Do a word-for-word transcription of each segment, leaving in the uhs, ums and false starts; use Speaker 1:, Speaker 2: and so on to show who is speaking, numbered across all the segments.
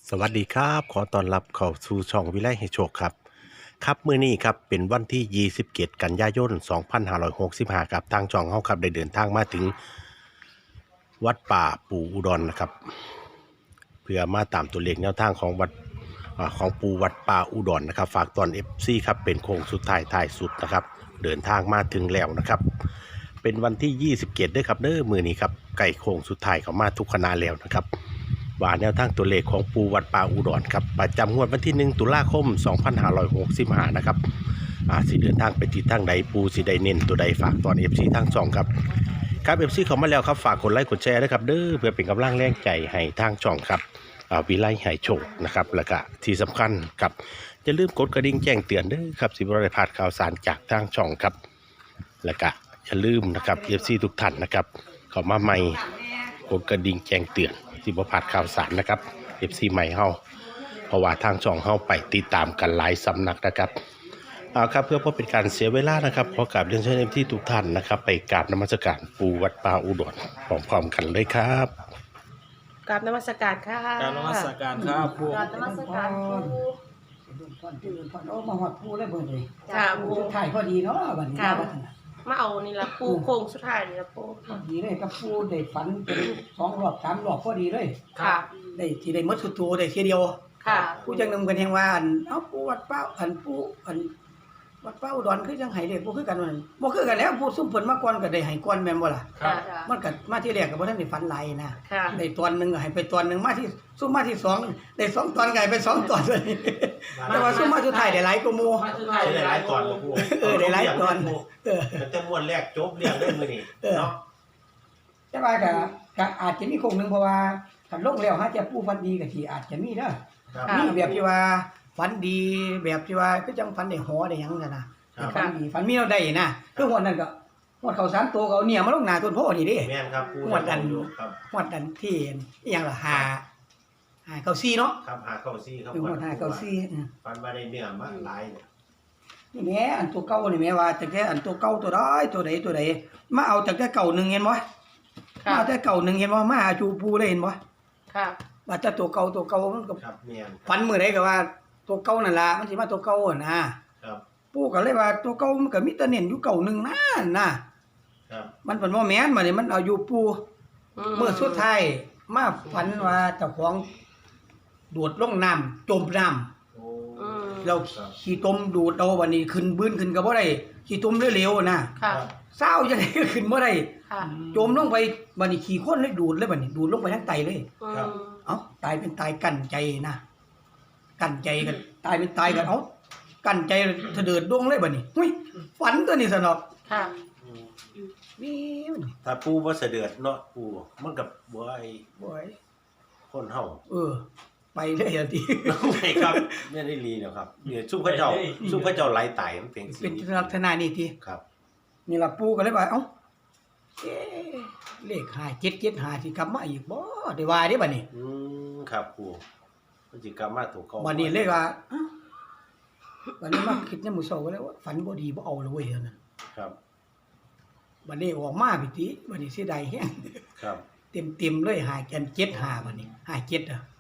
Speaker 1: สวัสดีครับขอต้อนรับเข้าสู่ช่องวิไลให้โชคครับครับมื้อนี้ครับเป็นวันที่ยี่สิบเจ็ดกันยายนสองพันห้าร้อยหกสิบห้าครับทางช่องเฮาครับได้เดินทางมาถึงวัดป่าปู่อุดรนะครับเพื่อมาตามตัวเลขแนวทางของวัดอ่าของปู่วัดป่าอุดรนะครับฝากตอน เอฟ ซี ครับเป็นโค้งสุดท้ายท้ายสุดนะครับเดินทางมาถึงแล้วนะครับเป็นวันที่ยี่สิบเจ็ดด้วยครับเด้อมื้อนี้ครับใกล้โค้งสุดท้ายเข้ามาทุกคณะแล้วนะครับ ว่าแนวทางตัวเลขของปูวัดป่าอุดรครับประจำงวดวันที่หนึ่งตุลาคมสองพันห้าร้อยหกสิบห้านะครับอ่าสิเดินทางไปที่ทางใดปูสิได้เน้นตัวใดฝากตอน เอฟ ซี ทางช่องครับครับ เอฟ ซี เข้ามาแล้วครับฝากกดไลค์กดแชร์ด้วยครับเด้อเพื่อเป็นกำลังแรงใจให้ทางช่องครับอ่าวิไลให้โชคนะครับแล้วก็ที่สำคัญครับอย่าลืมกดกระดิ่งแจ้งเตือนเด้อครับสิบ่ได้พลาดข่าวสารจากทางช่องครับแล้วก็อย่าลืมนะครับ เอฟ ซี ทุกท่านนะครับเข้ามาใหม่กดกระดิ่งแจ้งเตือนที่บ่พลาดข่าวสารนะครับ เอฟ ซี ใหม่เฮาเพราะว่าทางช่องเฮาไปติดตามกันหลายสำนักนะครับเอาครับเพื่อบ่เป็นการเสียเวลานะครับขอกราบเรียนเชิญ เอฟ ซี ทุกท่านนะครับไปกราบนมัสการปู่วัดป่าอุดรพร้อมๆกันเลยครับ
Speaker 2: กราบนมัสการค่ะ
Speaker 3: การนมัสการครับผู้
Speaker 2: กราบนมัสการครู
Speaker 4: ตอนตื่นตอนโอ้มาหอดปูเลยเบิ่งเลย
Speaker 2: ค่ะ
Speaker 4: ปู
Speaker 2: ปู
Speaker 4: ถ่ายพอดีเนาะบัดนี้
Speaker 2: ค่ะ
Speaker 4: บัดนี้
Speaker 2: มาเอานี่ละปูโค้งสุดท้ายนี่ละปู
Speaker 4: พอดีเลยกับปูได้ฝันเป็นสองรอบสามรอบพอดีเลย
Speaker 2: ค่ะ
Speaker 4: ได้ที่ได้หมดสุดตัวได้ทีเดียว
Speaker 2: ค่ะ
Speaker 4: ผู้จังนำกันแห่งว่าอันเอ้าปูวัดเป้าอันปูอันวัดเป้าอุดรคือจังไห้เด้บ่คือกันว่านั่นบ่คือกันแล้วผู้ซุ่มเพิ่นมาก่อนก็ได้ให้ก่อนแม่นบ่ล่ะ
Speaker 2: ค่ะ
Speaker 4: มันก็มาที่แรกก็บ่ทันได้ฝันหลายนะ
Speaker 2: ค่ะ
Speaker 4: ได้ตอนหนึงก็ให้ไปตอนหนึงมาที่ซุ่มมาที่สองได้สองตอนก็ให้ไปสองตอนเลยแต่ว่าซุ่มมาสุดท้ายได้หลายกว่าหมู่
Speaker 3: มาสุดท้าย
Speaker 1: ได้หลายตอนบ่ปู่
Speaker 4: เออได้หลายตอนเออ
Speaker 1: มันจะม้วนแรกจบเรื่องเรื่องมื้อนี้เนาะ
Speaker 4: แต่ว่าก็ก็อาจจะมีคงหนึงเพราะว่าคันลงแล้วหาจะผู้ฝันดีก็สิอาจจะมีเด้อ
Speaker 1: ครับ
Speaker 2: ค่ะ
Speaker 4: มีแบบที่ว่าฝันดีแบบที่ว่าคือจังฝันได้หอได้หยังนั่นน่ะ
Speaker 1: ครับ
Speaker 4: ฝันดีฝันมีเราได้นะคือหวดนั้นก็หวดเขาสามตัวก็เอาเนี่ยมาลงหน้าต้นโพนี่เด้
Speaker 1: แม่นครับปู่
Speaker 4: ม้วนกัน
Speaker 1: อยู่ครับ
Speaker 4: หวดนั้นที่อีหยังล่ะหาหาเก้าซี่เนาะ
Speaker 1: ครับหาเข้าซี่ครับ
Speaker 4: คือหวดหาเก้าซี่อือ
Speaker 1: ฟันมาได้เนื้อมาหลายเนี่ย
Speaker 4: นี่แหม่อันตัวเก่านี่แหม่ว่าจังแต่อันตัวเก่าตัวใดตัวใดตัวใดมาเอาจังแต่เก่าหนึงเห็นบ่มา
Speaker 2: ค่ะ
Speaker 4: เอาแต่เก่าหนึงเห็นบ่มาหาจูปูเลยเห็นบ่
Speaker 2: ค่ะ
Speaker 4: ว่าแต่ตัวเก่าตัวเก่ามันก็
Speaker 1: ครับแม่น
Speaker 4: ฝันมื้อใดก็ว่าตัวเก่านั่นล่ะมันสิมาตัวเก่าหั่นนะครับ ปู่ก็เลยว่าตัวเก่ามันก็มีแต่เน้นอยู่เก่าหนึงนะนะครับ มันเพิ่นบ่แม่นบัดนี้มันเอาอยู่ปู่เมื่อสุดท้ายมาฝันว่าเจ้าของโดดลงน้ำจมน้ำ
Speaker 1: โอ้
Speaker 2: อืม
Speaker 4: เราขี้ตมดูดเอาบัดนี้ขึ้นบื้นขึ้นก็บ่ได้ขี้ตมเร็วๆนะ
Speaker 2: ค่ะ
Speaker 4: เศร้าจังได๋ก็ขึ้นบ่ได้
Speaker 2: ค่ะ
Speaker 4: จมลงไปบัดนี้ขี้คนเลยดูดเลยบัดนี้ดูดลงไปทั้งไตเลย
Speaker 2: อืม
Speaker 4: เอ้าตายเป็นตายกั้นใจนะกั้นใจกันตายเป็นตายกันเอ้ากั้นใจเถดิดดวงเลยบัดนี้หุ้ยฝันตัวนี้ซะเนาะ
Speaker 2: ค่ะ
Speaker 1: อืม
Speaker 4: วิวนี่
Speaker 1: ถ้าปู่บ่เสด็จเนาะปู่มันก็บ่ไอ้
Speaker 4: บ่อย
Speaker 1: คนเฮา
Speaker 4: เออ ไปเลยทันที
Speaker 1: ไม่ครับไม่ได้รีแล้วครับเนี่ยซุ่มพระเจ้าซุ่มพระเจ้าไหลตายมันเป็น
Speaker 4: เป็นลักษณะนี้ที
Speaker 1: ครับ
Speaker 4: นี่ล่ะปู่ก็เลยว่าเอ้าเอ๊ะเลขห้าเจ็ดเจ็ดห้าสิกลับมาอีกบ่ได้ว่าเด้บัดนี้
Speaker 1: อืมครับปู่มันสิกรรมมาถูกเขา
Speaker 4: บัดนี้เลยว่าเอ้าบัดนี้มาคิดในมื้อเช้าก็เลยว่าฝันบ่ดีบ่เอาเลยเว้ยเดี๋ยวนั้น
Speaker 1: ครับ
Speaker 4: บัดนี้ออกมาพิติบัดนี้เสียดายแฮง
Speaker 1: ครับ
Speaker 4: เต็มๆเลยห้ากันเจ็ดห้าบัดนี้ห้าเจ็ดอ่ะ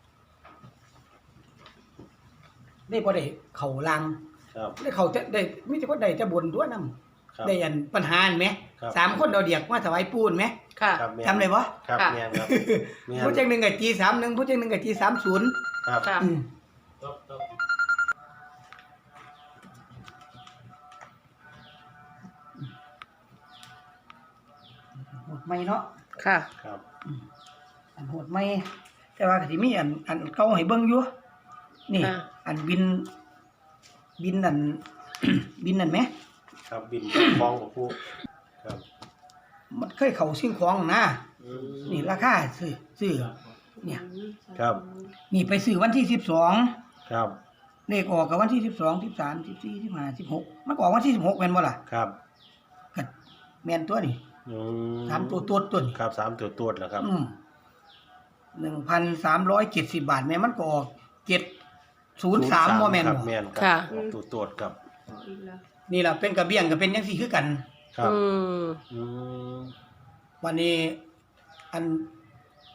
Speaker 4: ได้บ่ได้เข้าลัง
Speaker 1: ครับ
Speaker 4: ได้เข้าแต่ได้มีแต่คนได้แต่บนตัวนำ
Speaker 1: ครับ
Speaker 4: ได้อันปัญหาอันไหม
Speaker 1: ครับ
Speaker 4: สามคนเอาเดียกมาถวายปูนไหม
Speaker 2: ค่ะ
Speaker 1: ครับแม่น
Speaker 4: จำได้บ่
Speaker 1: ครับ
Speaker 2: ค่ะ
Speaker 1: แม่นครับแม่น
Speaker 4: ผู้จังหนึ่งกับจีสามหนึ่งผู้จังหนึ่งกับจีสามศูนย์
Speaker 1: ครับ
Speaker 2: ค่ะ
Speaker 4: อืม
Speaker 3: ครับครับ
Speaker 4: โหดไม่เนาะ
Speaker 2: ค่ะ
Speaker 1: ครับ
Speaker 4: อันโหดไม่แต่ว่าก็สิมีอันอันเก่าให้เบิ่งอยู่นี่
Speaker 2: ค่ะ
Speaker 4: อันบิน บินนั่น บินนั่นไหม
Speaker 1: ครับบินคลองกับปู่ครับ
Speaker 4: มันเคยเข้าสิ่งของนะ
Speaker 1: อืม
Speaker 4: นี่ราคาซื้อซื้อเนี่ย
Speaker 1: ครับ
Speaker 4: นี่ไปซื้อวันที่สิบสอง
Speaker 1: ครับ
Speaker 4: เลขออกกับวันที่สิบสองสิบสามสิบสี่สิบห้าสิบหกมันก็ออกวันที่สิบหกแม่นบ่ล่ะ
Speaker 1: ครับ
Speaker 4: ก็แม่นตัวนี่
Speaker 1: อืม
Speaker 4: สามตัวตัวตัวนี่
Speaker 1: ครับสามตัวตัวแล้วครับ
Speaker 4: อืมหนึ่งพันสามร้อยเจ็ดสิบบาทแม่มันก็ออกเจ็ดศูนย์สามโมเมนต์
Speaker 1: ครับแม่น
Speaker 2: ค่ะ
Speaker 1: รับตัวตัวครับ
Speaker 4: นี่แหละเป็นกระเบี้ยงก็เป็นยังสี่คือกัน
Speaker 1: ครับ
Speaker 2: อืม
Speaker 1: อืม
Speaker 4: วันนี้ อัน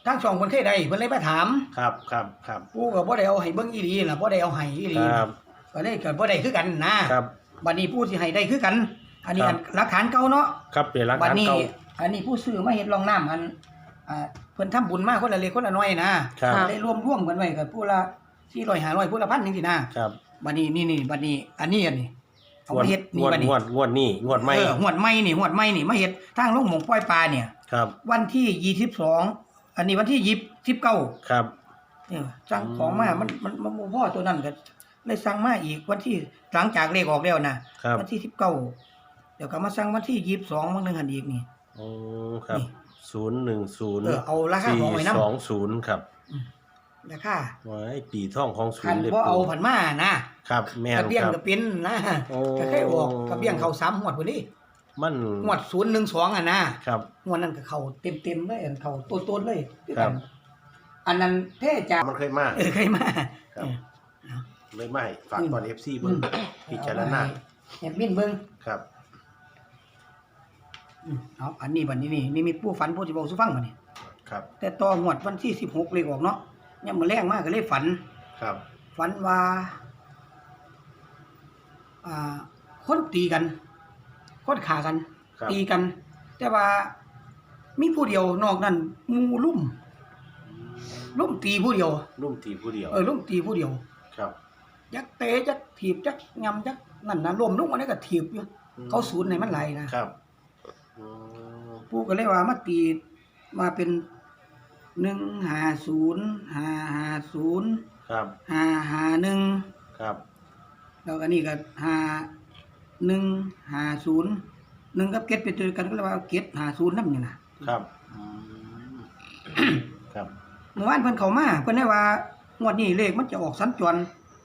Speaker 4: ทางช่องเพิ่นเคยได้เพิ่นเลยมาถาม
Speaker 1: ครับครับครับ
Speaker 4: ปู่ก็บ่ได้เอาให้เบิ่งอีหลีล่ะบ่ได้เอาให้อีหลี
Speaker 1: ครับ
Speaker 4: ก็เลยก็บ่ได้คือกันนะครับ บัดนี้ปู่สิให้ได้คือกัน อันนี้
Speaker 1: ครั
Speaker 4: อั
Speaker 1: บ
Speaker 4: นหลักฐานเก่าเนาะ
Speaker 1: ครับเป็นหลัก
Speaker 4: บัด
Speaker 1: ฐาน
Speaker 4: นี้
Speaker 1: เก่า
Speaker 4: อันนี้ผู้ซื้อมาเฮ็ดรองน้ำอันอ่าเพิ่นทำบุญมาคนละเล็กคนละน้อยนะครับ
Speaker 2: ค่ะ
Speaker 4: ได้รวมร่วมกันไว้ก็ผู้ละสี่ร้อย ห้าร้อยผู้ละพันจังซี่นะครับ บัดนี้นี่ๆบัดนี้อันนี้อันนี้เอามาเฮ็ด
Speaker 1: ง
Speaker 4: นี่
Speaker 1: วด
Speaker 4: บัดนี้
Speaker 1: งวดงวดนี่งวดใหม่
Speaker 4: เออหวดใหม่นี่หวดใหม่นี่มาเฮ็ดทางลงหมองปล่อยปลาเนี่ย
Speaker 1: ครับ
Speaker 4: วันที่ยี่สิบสองอันนี้วันที่ยี่สิบเก้า
Speaker 1: ครับ
Speaker 4: เนี่ยสั่งของมามันมันมันบ่พอตัวนั้นก็เลยสั่งมาอีกวันที่หลังจากเลขออกแล้วนะครับ วันที่สิบเก้าเดี๋ยวก็มาสั่งวันที่ยี่สิบสองมื้อนึงอันอีกนี่
Speaker 1: โอ้ครับ
Speaker 4: นี่
Speaker 1: ศูนย์หนึ่งศูนย์
Speaker 4: เออเอาราคาของไว้นำ
Speaker 1: สองศูนย์ครับ
Speaker 4: ราคา
Speaker 1: ไว้ปีท่องของศู
Speaker 4: คั
Speaker 1: น
Speaker 4: น
Speaker 1: ย์เลย
Speaker 4: บ่เอาผันมานะครับ
Speaker 1: แม่น
Speaker 4: กระเบี้ยง
Speaker 1: ครับ
Speaker 4: ก็เป็นนะ
Speaker 1: โอ้
Speaker 4: ก็เคยออกกระเบี้ยงเข้าสามงวดพุ่นนี่
Speaker 1: มัน
Speaker 4: งวดศูนย์หนึ่งสองอ่ะนะครับ งวดนั้นก็เข้าเต็มๆเลยอันเข้าโตๆเลยคือ
Speaker 1: ครั
Speaker 4: กับ นอันนั้นเท่จาก
Speaker 1: มันเคยมา
Speaker 4: เออเคยมา
Speaker 1: ครับ เลยไม่ฝาก
Speaker 4: อืม
Speaker 1: ตอน เอฟ ซี เบิ่งพิจารณา
Speaker 4: แอบมินเบิ่ง
Speaker 1: ครับ
Speaker 4: อืมเอาอันนี้บัดนี้นี่นี่มีผู้ฝันผู้สิเว้าสู่ฟังบัดนี้
Speaker 1: ครับ
Speaker 4: แต่ต่องวดวันที่สิบหกเลขออกเนาะยามมื้อแรงมาก็เลยฝัน
Speaker 1: ครับ
Speaker 4: ฝันว่าอ่าคนตีกัน คนฆ่ากัน
Speaker 1: ครับ
Speaker 4: ตีกัน แต่ว่ามีผู้เดียวนอกนั้นหมู่ลุ่มลุ่มตีผู้เดียว
Speaker 1: นุ่มตีผู้เดียว
Speaker 4: เออลุ่มตีผู้เดียว
Speaker 1: ครับ
Speaker 4: ยักเตะยักถีบยักยำยักนั่นน่ะล้มลงอันนี้ก็ถีบอยู่
Speaker 1: อืม
Speaker 4: เขาสูญในมันไหลนะครับ
Speaker 1: อืม
Speaker 4: ผู้ก็เลยว่ามาตีมาเป็นหนึ่งห้าศูนย์ห้าห้าศูนย์
Speaker 1: ครับ
Speaker 4: ห้าห้าหนึ่ง
Speaker 1: ครับ
Speaker 4: แล้วก็นี่ก็ห้าหนึ่งห้าศูนย์หนึ่งกับเก็ดเป็นตัวเดียวกันก็เลยว่าเก็ดห้าศูนย์นั่นนี่นะครับ
Speaker 1: อืมครับ
Speaker 4: เมื่อวานเพิ่นเข้ามาเพิ่นได้ว่างวดนี้เลขมันจะออกสัญจร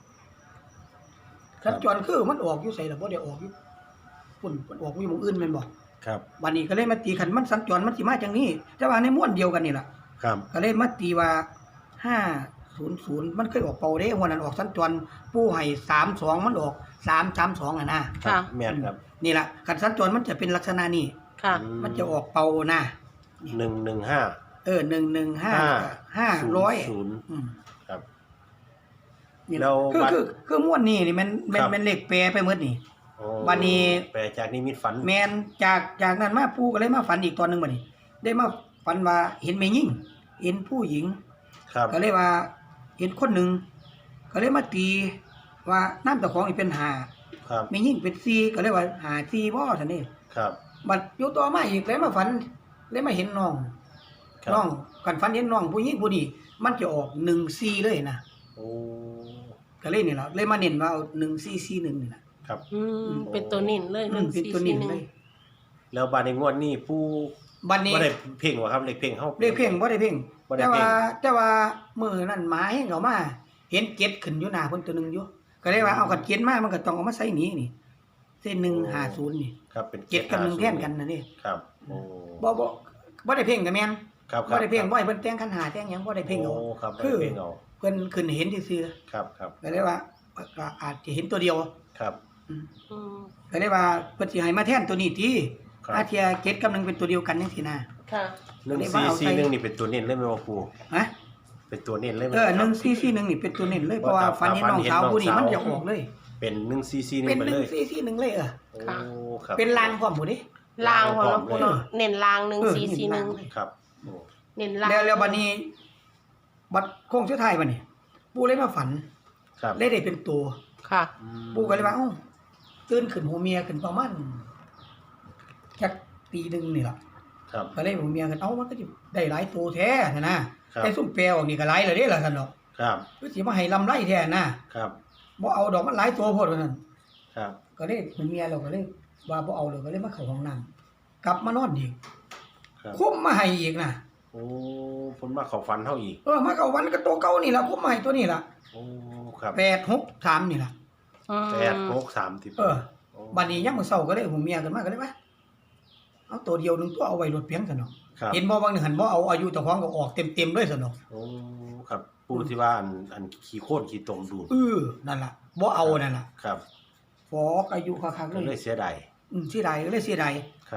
Speaker 4: สัญจรคือมันออกอยู่ไสล่ะบ่ได้ออกอยู่พุ่นมันออกอยู่หม้องอื่นแม่นบ่
Speaker 1: ครับ
Speaker 4: บัดนี้ก็เลยมาตีคันมันสัญจรมันสิมาจังนี้ แต่ว่าในม้วนเดียวกันนี่ล่ะ
Speaker 1: ครับ
Speaker 4: ก็เลยมาตีว่าห้าศูนย์ศูนย์มันเคยออกเป่าเด้หัวนั้นออกสัญจรปู่ให้สามสองมันออกสามสามสองอ่ะนะ
Speaker 1: ครับ
Speaker 2: ค่ะ
Speaker 1: แม่นครับ
Speaker 4: นี่ล่ะคันสัญจรมันจะเป็นลักษณะนี้
Speaker 2: ค่ะ
Speaker 4: มันจะออกเป่านะ
Speaker 1: หนึ่งหนึ่งห้า
Speaker 4: เออหนึ่งหนึ่งห้า
Speaker 1: ห้า
Speaker 4: ห้าร้อย
Speaker 1: ศูนย์
Speaker 4: อืม
Speaker 1: ครับ
Speaker 4: นี่
Speaker 1: แล้
Speaker 4: ล่ะ
Speaker 1: ว
Speaker 4: คือ
Speaker 1: บัด
Speaker 4: คือคือม้วนนี่นี่มันมัน
Speaker 1: ครับ
Speaker 4: มันเลขแปรไปหมดนี่
Speaker 1: โอ้
Speaker 4: บัดนี้
Speaker 1: แปลจากนิมิตฝัน
Speaker 4: แมนจากจากนั้นมาปู่ก็เลยมาฝันอีกตอนหนึงบัดนี้ ได้มาฝันว่าเห็นแม่หญิงเห็นผู้หญิง
Speaker 1: ครับ
Speaker 4: ก็เลยว่าเห็นคนหนึ่งก็เลยมาตีว่าน้ำตะของนี่เป็นหา
Speaker 1: ครับ
Speaker 4: แม่หญิงเป็นซีก็เลยว่าหาซีบ่ซั่นนี่
Speaker 1: ครับ
Speaker 4: บัดอยู่ต่อมาอีกเลยมาฝันเลยมาเห็นน้อง
Speaker 1: ครับ
Speaker 4: น้องกันฝันเห็นน้องผู้หญิงผู้นี้มันจะออกหนึ่งซีเลยนะ
Speaker 1: โอ้
Speaker 4: ก็เลยนี่ล่ะเลยมาเน้นว่าเอาหนึ่งซีซีหนึ่งนี่ล่ะ
Speaker 1: ครับ
Speaker 2: อืมเป็นตัวนิ่นเลย
Speaker 4: อืมเป็นตัวนี้เลย
Speaker 1: แล้วบาดในงวดนี้ผู้
Speaker 4: บัดนี้
Speaker 1: บ่ได้เพ่งว่าครับเลขเพ่งเฮา
Speaker 4: เรียกเพ่งบ่ได้เพ่ง
Speaker 1: บ่ได้
Speaker 4: แต่
Speaker 1: เพ่
Speaker 4: ว่าง แต่ว่ามื้อนั้นหมาเฮงเขามาเห็นเก็ดขึ้นอยู่หน้าเพิ่นตัวหนึงอยู่ก็เลยว่าเอากันเก็ดมามันก็ต้องเอามาใส่นี้นี่เส้นหนึ่งห้าศูนย์นี่
Speaker 1: ครับเป็น
Speaker 4: เก็ดกับหนึ่งแทนกันน่ะนี่
Speaker 1: ครับโอ้
Speaker 4: บ่บ่บ่ได้เพ่งก็แม่น
Speaker 1: ครับค
Speaker 4: บ่
Speaker 1: รับ
Speaker 4: ได้เพ่งบ่ให้เพิ่นแต่งคันหาแต่งหยังบ่ได้เพ่งเอา
Speaker 1: โอ้ครับบ่
Speaker 4: คื
Speaker 1: ได้
Speaker 4: อ
Speaker 1: เพ่งเอา
Speaker 4: เพิ่นขึ้นเห็นซื่อ
Speaker 1: ครับครับ
Speaker 4: ๆก็เลยว่าก็อาจจะเห็นตัวเดียว
Speaker 1: ครับ
Speaker 4: อืม
Speaker 2: อืม
Speaker 4: ก็เลยว่าเพิ่นสิให้มาแทนตัวนี้ติ
Speaker 1: ครับ
Speaker 4: อาเทียเก็ดกับหนึ่งเป็นตัวเดียวกันจังซี่นะ
Speaker 2: ค่ะ
Speaker 1: หนึ่ง
Speaker 4: อันนี้
Speaker 1: สี่
Speaker 4: ว่าเอา
Speaker 1: สี่
Speaker 4: ใส่
Speaker 1: หนึ่งนี่เป็นตัวเน้นเลยไหมว่าครู
Speaker 4: ฮะ
Speaker 1: เป็นตัวเน้นเลยไหม
Speaker 4: เออ
Speaker 1: ครับ
Speaker 4: หนึ่งสี่สี่หนึ่งนี่เป็นตัวเน้นเลยเพราะว่า
Speaker 1: ว่า
Speaker 4: ฝันเห็นน้องสาวผู้นี้มันจะออกเลย
Speaker 1: เป็นหนึ่งสี่สี่ห
Speaker 4: เป็
Speaker 1: นึ่
Speaker 4: น
Speaker 1: งไป
Speaker 4: หนึ่
Speaker 1: เล
Speaker 4: ง
Speaker 1: ย
Speaker 4: สี่สี่หนึ่งเลยเออ
Speaker 1: โอ้ครับ
Speaker 4: เป็นลางพร้อมหมดดิ
Speaker 2: ลางของเราปูเนาะ
Speaker 1: เออ
Speaker 2: เน้นลางหนึ่ง
Speaker 4: เออ
Speaker 2: สี่สี่หนึ่ง
Speaker 4: เน้นลางเลย
Speaker 1: ครับโอ้
Speaker 2: เน้นลาง
Speaker 4: แล้วแล้วบัดนี้ บัดโค้งสุดท้ายบัดนี้ปู่เลยมาฝัน
Speaker 1: ครับ
Speaker 4: เลยได้เป็นตัว
Speaker 2: ค่ะ
Speaker 1: อืม
Speaker 4: ปู่ก็เลยว่าเอ้าตื่นขึ้นหัวเมียขึ้นประมาณจักตีหนึงนี่ล่ะ
Speaker 1: ครับ
Speaker 4: ก็เลยหัวเมียกันเอ้ามันก็สิได้หลายตัวแท้นะนะครับ แต่ซุ่มแปลออกนี่ก็หลายแล้วเด้ล่ะซั่นเนาะ
Speaker 1: ครับ
Speaker 4: คือสิมาให้ลำไรแท้นะครับ บ่เอาดอกมันหลายตัวโพดว่าซั่น
Speaker 1: ครับ
Speaker 4: ก็เลยหัวเมียเราก็เลยว่าบ่เอาเลยก็เลยมาเข้าห้องน้ำกลับมานอนอีก
Speaker 1: ครับ
Speaker 4: คุมมาให้อีกนะ
Speaker 1: โอ้ผลมาเข้าฝันเฮาอีก
Speaker 4: เออมาเข้าวันก็ตัวเก่านี่ล่ะคุมมาให้ตัวนี้ล่ะ
Speaker 1: โอ้ครับ
Speaker 4: แปดหกสามนี่ล่ะ
Speaker 2: อืม
Speaker 1: แปดหกสามสิบ
Speaker 4: เออ
Speaker 1: โอ้
Speaker 4: บัดนี้ยามมื้อเช้าก็เลยหัวเมียกันมาก็เลยว่าเอาตัวเดียวหนึงตัวเอาไว้รถเพียงซั่นเนาะ
Speaker 1: ครับ
Speaker 4: เห็นบ่บางหนึงหันบ่เอาอายุเจ้าของก็ออกเต็มๆเลยซั่นเนาะ
Speaker 1: โอ้ครับผู้ที่ว่าอันอันขี้โค่นขี้ตมดูด
Speaker 4: เออนั่นล่ะบ่เอานั่นล่ะ
Speaker 1: ครับ
Speaker 4: ฟอกอายุคักๆ
Speaker 1: ก็
Speaker 4: เล
Speaker 1: เลย ยเสียดาย
Speaker 4: อืมเสียดายก็เลยเสียดาย
Speaker 1: ครับ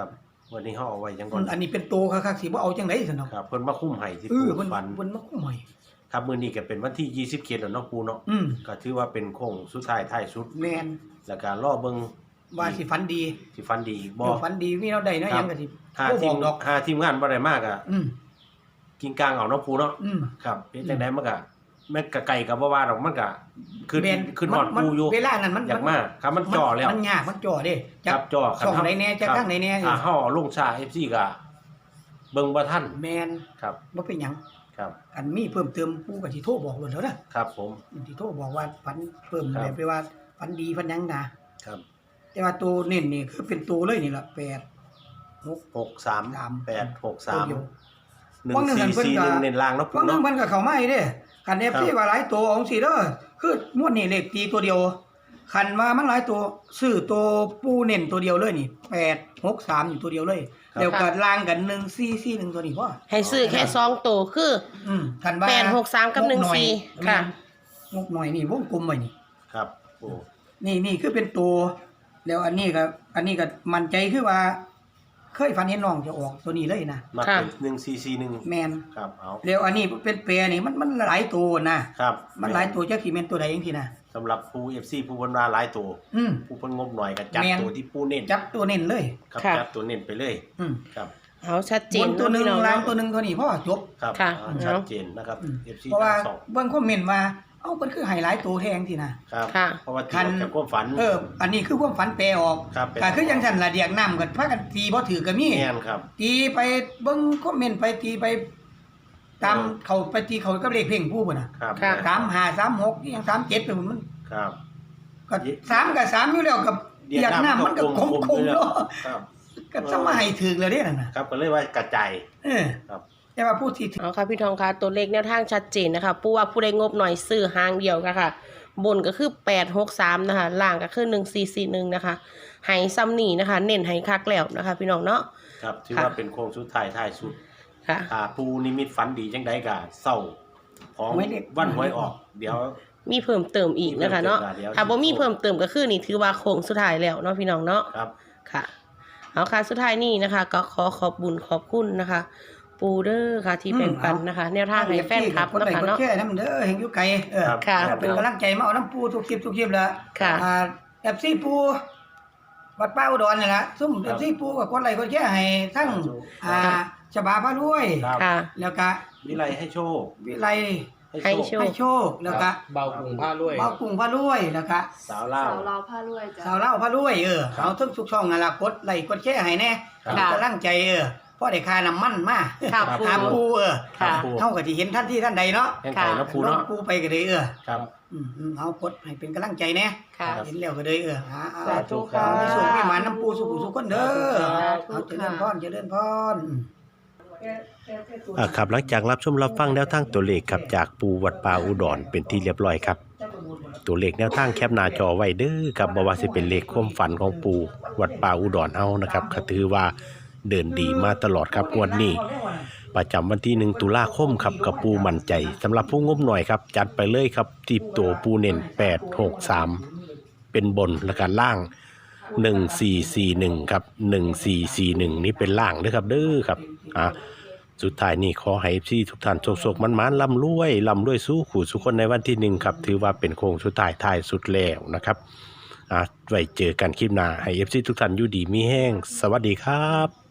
Speaker 1: วันนี้เฮาเอาไว้จังก่
Speaker 4: มั
Speaker 1: อน
Speaker 4: นอันนี้เป็นโตคักๆสิบ่เอาจังได๋ซั่นเนาะ
Speaker 1: ครับเพิ่นมาคุ้มให้ที่
Speaker 4: เอ
Speaker 1: ปู
Speaker 4: อเพิ่น
Speaker 1: ฝัน
Speaker 4: เพิ่นมาคุ้มให้
Speaker 1: ครับมื้อนี้ก็เป็นวันที่ยี่สิบเจ็ดแล้วเนาะปูเนาะ
Speaker 4: อืม
Speaker 1: ก็ถือว่าเป็นโค้งสุดท้ายท้ายสุด
Speaker 4: แม่น
Speaker 1: แล้วก็รอเบิ่ง
Speaker 4: ว่าสิฝันดี
Speaker 1: สิฝันดีอีกบ่
Speaker 4: เดี๋ยวฝันดีมีเราได้เนาะ
Speaker 1: ค
Speaker 4: ห
Speaker 1: รั
Speaker 4: ยั
Speaker 1: บ
Speaker 4: งก็สิ
Speaker 1: หา
Speaker 4: บ่
Speaker 1: ที
Speaker 4: บอ
Speaker 1: ม
Speaker 4: กดอก
Speaker 1: หาทีมงานบ่ได้มากอ่ะ
Speaker 4: อืม
Speaker 1: กินกลางเอาเนาะปูเนาะ
Speaker 4: อืม
Speaker 1: ครับเป็นจังได๋มันก็แม่นก็ไกลก็บ่ว่าดอกมันก็ขึ้น
Speaker 4: แม่น
Speaker 1: ขึ้นฮอด
Speaker 4: มั
Speaker 1: ปูอยู่
Speaker 4: เวลานั้นมัน
Speaker 1: อยากมาครับมันจ่อแล้ว
Speaker 4: มันยากมันจ่อเด้
Speaker 1: ครับจ่อ
Speaker 4: ช่องไหนแน่จักทางไหนแน่
Speaker 1: ถ้าเฮาเอาลงช้า เอฟ ซี ก็เบิ่งบ่ทัน
Speaker 4: แม่น
Speaker 1: ครับ
Speaker 4: บ่เป็นหยัง
Speaker 1: ครับ
Speaker 4: อันมีเพิ่มเติมผู้ก็สิโทรบอกเลยแล้วนะครับ
Speaker 1: ผม
Speaker 4: สิโทรบอกว่าฝันเพิ่ม
Speaker 1: ครับ
Speaker 4: แบบไปว่าฝันดีฝันหยังนะครับ แต่ว่าตัวเน้นนี่คือเป็นตัวเลยนี่ล่ะแปด หก
Speaker 1: หกสาม
Speaker 4: สาม
Speaker 1: แปดหก
Speaker 4: ตั
Speaker 1: สาว ม
Speaker 4: เดียว
Speaker 1: หนึ่ง
Speaker 4: ว่างหนึ่ง
Speaker 1: สี่
Speaker 4: อันเพิ่น
Speaker 1: สี่
Speaker 4: ก็
Speaker 1: หนึ่งเน้นล่างเนาะปู
Speaker 4: บางนึง
Speaker 1: เนาะ
Speaker 4: มันก็เข้ามาอีกเด้คัน เอฟ ซี ว่าหลายตัวของสิเด้อคือมวดนี่เลขตีตัวเดียวคันว่ามันหลายตัวซื้อตัวปูเน้นตัวเดียวเลยนี่แปด หก สามอยู่ตัวเดียวเลยเดี๋ยวก็ล่างกันหนึ่ง สี่ สี่ หนึ่งตัวนี้พอ
Speaker 2: ให้ซื้อแค่สองตัวคือ
Speaker 4: อืมคันว่า
Speaker 2: แปด หก สาม กับ หนึ่ง สี่ ค่ะ
Speaker 4: งกหน่อยนี่วงกลมไว้นี่
Speaker 1: ครับปู
Speaker 4: นี่นี่คือเป็นตัว แล้วอันนี้ก็อันนี้ก็มั่นใจคือว่า เคยฝันเห็นน้องจะออกตัวนี้เลยนะ
Speaker 1: มา
Speaker 2: ค่ะ
Speaker 1: เป็นหนึ่งสี่สี่หนึ่ง
Speaker 4: แมน
Speaker 1: ครับเอา
Speaker 4: แล้วอันนี้เป็นเปรนี่มันมันหลายตัวนะครับ มันหลายตัวจักสิแม่นตัวใดจังซี่นะ
Speaker 1: สำหรับปู เอฟ ซี ผู้เพิ่นว่าหลายตัว
Speaker 4: อืม
Speaker 1: ผู้เพิ่นงบหน่อยก็จัด
Speaker 4: แม่น
Speaker 1: ตัวที่ปูเน้น
Speaker 4: จับตัวเน้นเลย
Speaker 1: ครับ
Speaker 2: ค่ะ
Speaker 1: จัดตัวเน้นไปเลย
Speaker 4: อืม
Speaker 1: ครับ
Speaker 2: เอาชัดเจ
Speaker 4: บ
Speaker 2: น
Speaker 4: นตัวหนึง
Speaker 2: เะพี่
Speaker 4: ล่าง
Speaker 2: เนะ
Speaker 4: ตัวหนึงตัวนี้พ่อจบ
Speaker 1: ครับ
Speaker 2: ค่ะ
Speaker 1: อ่าชัดเจนนะครับ
Speaker 4: อืม
Speaker 1: เอฟ ซี
Speaker 4: เพราะว่า
Speaker 1: ทั้งสอง
Speaker 4: เบิ่งคอมเมนต์ว่าเอ้ามันคือไฮไลท์ตัวแทงสินะครับ
Speaker 2: ค่ะ
Speaker 1: เพราะว่า
Speaker 4: คั
Speaker 1: ที่
Speaker 4: น
Speaker 1: ออกจากความฝัน
Speaker 4: เออ อันนี้คือความฝันแปลออก
Speaker 1: ครับแปลอ
Speaker 4: ก็
Speaker 1: อก
Speaker 4: คือจังซั่นล่ะเดียกน้ำกันพากันตีบ่ถือก็มี
Speaker 1: แม่นครับ
Speaker 4: ตีไปเบิ่งคอมเมนต์ไปตีไป ตาม
Speaker 1: เออ
Speaker 4: เขาไปตีเขากับเลขเพ่งผู้พุ่นน่ะ
Speaker 1: ครับ
Speaker 2: ค่ะ
Speaker 4: สามห้า สามหกอีหยังสามเจ็ดไปหมดมัน
Speaker 1: ครับ
Speaker 4: ก็สามกับสามอยู่แล้วกับ
Speaker 1: เดียก
Speaker 4: อยาก
Speaker 1: น้ำ
Speaker 4: น้ำมันก็คง
Speaker 1: กลมๆ
Speaker 4: คง
Speaker 1: ด้วย
Speaker 4: เนาะ
Speaker 1: ครับ
Speaker 4: ก็สมาให้ถึกแล้วเด้นั่นน่ะ
Speaker 1: ครับก็เลยว่ากระจาย
Speaker 4: เออ
Speaker 1: ครับ
Speaker 4: แต่ว่าผู้ที่ถือ
Speaker 2: เอาค่ะพี่ทองคะตัวเลขแนวทางชัดเจนนะคะผู้ว่าผู้ใดงบหน่อยซื้อหางเดียวค่ะค่ะ บนก็คือแปด หก สามนะคะล่างก็คือหนึ่ง สี่ สี่ หนึ่งนะคะให้ซ้ำนี่นะคะ เน้นให้คักแล้วนะคะ พี่น้องเนาะ
Speaker 1: ครับถือ
Speaker 2: ค่ะ
Speaker 1: ว่าเป็นโค้งสุดท้ายท้ายสุด
Speaker 2: ค่ะ
Speaker 1: ถ้าปูนิมิตฝันดีจังไดก็เศร้าของ
Speaker 4: ไม่ได้
Speaker 1: วันหวยออก เดี๋ยว
Speaker 2: มีเพิ่มเติมอีกนะคะเนาะ
Speaker 1: มีเพิ่มเติมค่ะเดี๋ยว
Speaker 2: ถ้าบ่มีเพิ่มเติมก็คือนี่ถือว่าโค้งสุดท้ายแล้วเนาะพี่น้องเนาะ
Speaker 1: ครับ
Speaker 2: ค่ะเอาค่ะสุดท้ายนี้นะคะ ก็ขอขอบบุญขอบคุณนะคะ ปูเดอร์ค่ะที่แบ่งปันนะคะ แนวทางให้แฟนคลับ
Speaker 4: คน
Speaker 2: นะ
Speaker 4: ใด
Speaker 2: คะ
Speaker 4: คน
Speaker 2: เนาะ
Speaker 4: แค่นำเด้อเห็นอยู่ไกลเออ
Speaker 1: ครับ
Speaker 2: ค่ะ
Speaker 4: เป็นกำลังใจมาเอาน้ำปูทุกคลิปทุกคลิปแล้ว
Speaker 2: ค่ะ
Speaker 4: อ่า เอฟ ซี ปูวัดป้าอุดรนี่ล่ะซุ่ม
Speaker 1: ครั
Speaker 4: เอบ ฟ ซี ปูกับคนใดคนแค่ให้ทั้งอ่าฉบาพระรวย
Speaker 1: ครับ
Speaker 2: ค่ะ
Speaker 4: แล้วก็
Speaker 1: วิไลให้โชค
Speaker 4: วิไล
Speaker 2: ให้โชค
Speaker 4: ให้โชคแล้วก็
Speaker 3: เบากรุงผ้ารวย
Speaker 4: เบากุ้งพระรวยแล้วก็
Speaker 1: สาวเล่า
Speaker 5: สาวเราผ้ารวยจ้ะ
Speaker 4: สาวเล่าพระรวยเออ
Speaker 1: ครับ
Speaker 4: เอาทั้งทุกช่องนั่นล่ะกดไลค์กดแชร์ให้แน่
Speaker 1: ครับ
Speaker 4: มีกำลังใจเออพอได้ค่าน้ำมันมา
Speaker 2: ค่ะ
Speaker 1: ครับ
Speaker 2: ปู
Speaker 4: หาปูเออ
Speaker 2: ค่ะ
Speaker 1: ปู
Speaker 4: เฮาก็สิเห็นท่านที่ท่านใดเนาะ
Speaker 1: แห่งไก่เนาะปูเนาะ
Speaker 4: ลงปูไปก็ได้เออ
Speaker 1: ครับ
Speaker 4: อืมอืมเอากดให้เป็นกำลังใจแน่
Speaker 2: ค่ะ
Speaker 4: เห็นแล้วก็ได้เออหาเอา
Speaker 2: สาธุค่ะ
Speaker 4: มีสุขมีหมาน้ำปูสุขสุขคนเด้อ
Speaker 2: สาธุ
Speaker 4: เอาเจริญพรเจริญพร
Speaker 1: อ่าครับหลังจากรับชมรับฟังแนวทางตัวเลขครับจากปูวัดป่าอุดรเป็นที่เรียบร้อยครับ ตัวเลขแนวทางแคปหน้าจอไว้เด้อครับบ่ว่าสิเป็นเลขความฝันของปูวัดป่าอุดรเฮานะครับก็ถือว่าเดินดีมาตลอดครับงวดนี้ ประจำวันที่หนึ่งตุลาคมครับกับปูมั่นใจสำหรับผู้งบหน่อยครับจัดไปเลยครับที่ตัวปูเน้นแปด หก สามเป็นบนและการล่างหนึ่ง สี่ สี่ หนึ่งครับหนึ่ง สี่ สี่ หนึ่งนี่เป็นล่างเด้อครับเด้อครับอ่ะสุดท้ายนี่ขอให้พี่ทุกท่านโชคๆมันๆร่ำรวยร่ำรวยสู้ขู่สุขคนในวันที่หนึ่งครับถือว่าเป็นโค้งสุดท้ายท้ายสุดแล้วนะครับอ่ะไว้เจอกันคลิปหน้าให้เอฟซีทุกท่านอยู่ดีมีแห้งสวัสดีครับ